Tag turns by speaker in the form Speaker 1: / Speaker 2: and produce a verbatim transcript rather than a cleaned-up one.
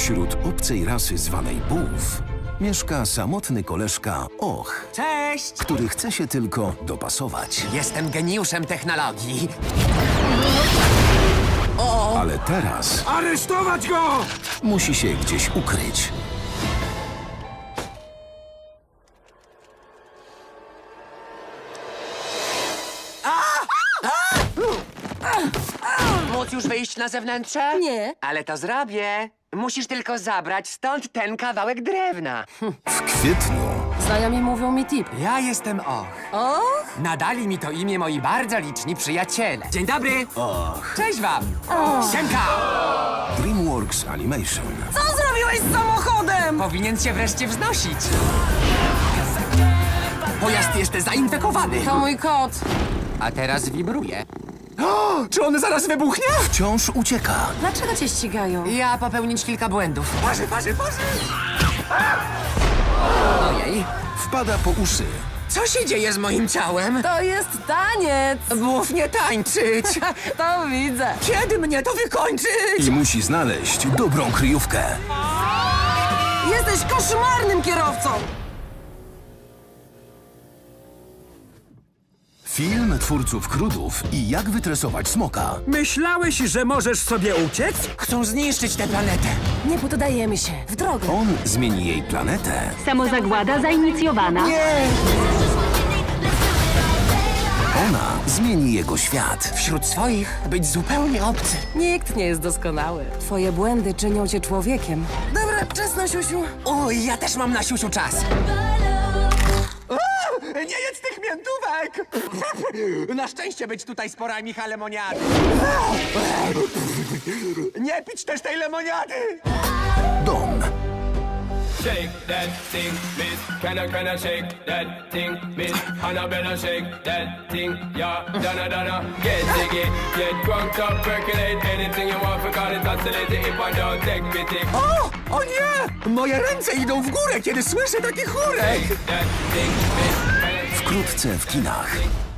Speaker 1: Wśród obcej rasy zwanej Bułw mieszka samotny koleżka Och,
Speaker 2: Cześć!
Speaker 1: który chce się tylko dopasować.
Speaker 2: Jestem geniuszem technologii.
Speaker 1: Ale teraz
Speaker 3: Aresztować go!
Speaker 1: musi się gdzieś ukryć.
Speaker 2: Móc już wyjść na zewnętrze?
Speaker 4: Nie.
Speaker 2: Ale to zrobię. Musisz tylko zabrać stąd ten kawałek drewna.
Speaker 1: W kwietniu
Speaker 4: Znajomi mówią mi tip.
Speaker 2: Ja jestem Och.
Speaker 4: Och?
Speaker 2: Nadali mi to imię moi bardzo liczni przyjaciele. Dzień dobry!
Speaker 1: Och,
Speaker 2: Cześć wam! Siemka!
Speaker 1: DreamWorks Animation
Speaker 4: Co zrobiłeś z samochodem?
Speaker 2: Powinien się wreszcie wznosić. Pojazd jest zainfekowany.
Speaker 4: To mój kot.
Speaker 2: A teraz wibruje. O, czy on zaraz wybuchnie?
Speaker 1: wciąż ucieka.
Speaker 4: Dlaczego cię ścigają?
Speaker 2: Ja popełnić kilka błędów. Parzy, parzy, parzy! Ojej,
Speaker 1: Wpada po uszy.
Speaker 2: co się dzieje z moim ciałem?
Speaker 4: To jest taniec.
Speaker 2: Mów nie tańczyć!
Speaker 4: To widzę.
Speaker 2: Kiedy mnie to wykończyć?
Speaker 1: I musi znaleźć dobrą kryjówkę.
Speaker 4: Jesteś koszmarnym kierowcą.
Speaker 1: Film twórców Krudów i jak wytresować smoka.
Speaker 3: Myślałeś, że możesz sobie uciec?
Speaker 2: Chcą zniszczyć tę planetę.
Speaker 4: Nie poddajemy się. W drogę.
Speaker 1: On zmieni jej planetę,
Speaker 5: Samozagłada zainicjowana.
Speaker 1: ona zmieni jego świat.
Speaker 2: Wśród swoich być zupełnie obcy.
Speaker 4: Nikt nie jest doskonały. Twoje błędy czynią cię człowiekiem. Dobra, czas na siusiu.
Speaker 2: Oj, ja też mam na siusiu czas. O, nie jedz tych miętówek! Na szczęście być tutaj sporami lemoniady. Nie pić też tej lemoniady!
Speaker 1: Dom.
Speaker 6: Shake that thing, miss. Can I, can I shake that thing, miss? Annabella, shake that thing, yeah. Donna, Donna, get jiggy, get drunk up, percolate anything you want, forgot it, oscillate if I don't take pity.
Speaker 2: O! O nie! Moje ręce idą w górę, kiedy słyszę taki chórek!
Speaker 6: That thing, miss.
Speaker 1: Wkrótce w kinach.